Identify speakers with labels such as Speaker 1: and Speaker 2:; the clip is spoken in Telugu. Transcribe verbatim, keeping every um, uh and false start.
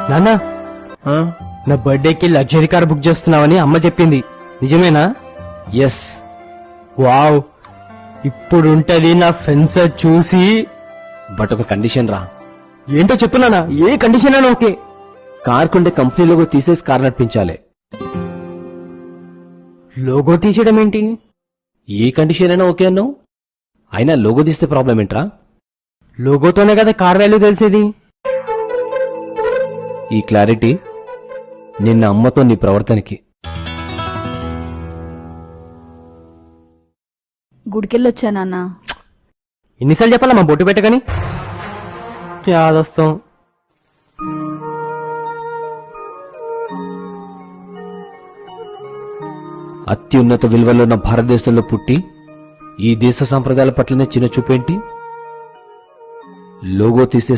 Speaker 1: నాన్న, నా బర్త్డేకి లగ్జరీ కార్ బుక్ చేస్తున్నావని అమ్మ చెప్పింది, నిజమేనా?
Speaker 2: ఎస్.
Speaker 1: వావ్, ఇప్పుడుంటది నా ఫ్రెండ్స్ చూసి.
Speaker 2: బట్ ఒక కండిషన్ రా.
Speaker 1: ఏంటో చెప్పున్నానా? ఏ కండిషన్ అయినా ఓకే.
Speaker 2: కార్ కొంటే కంపెనీ లోగో తీసేసి కార్ నడిపించాలి.
Speaker 1: లోగో తీసేయడం ఏంటి?
Speaker 2: ఏ కండిషన్ అయినా ఓకే అన్నావు. అయినా లోగో తీస్తే ప్రాబ్లం ఏంట్రా?
Speaker 1: లోగోతోనే కదా కార్ వాల్యూ తెలిసేది.
Speaker 2: ఈ క్లారిటీ నిన్న అమ్మతో నీ ప్రవర్తనకి.
Speaker 3: గుడికెళ్ళొచ్చా నాన్న?
Speaker 1: ఎన్నిసార్లు చెప్పాలా మా బొట్టు పెట్టగాని? యాదొస్తాం.
Speaker 2: అత్యున్నత విలువలో ఉన్న భారతదేశంలో పుట్టి ఈ దేశ సంప్రదాయాల పట్లనే చిన్న చూపేంటి? లోగో తీసే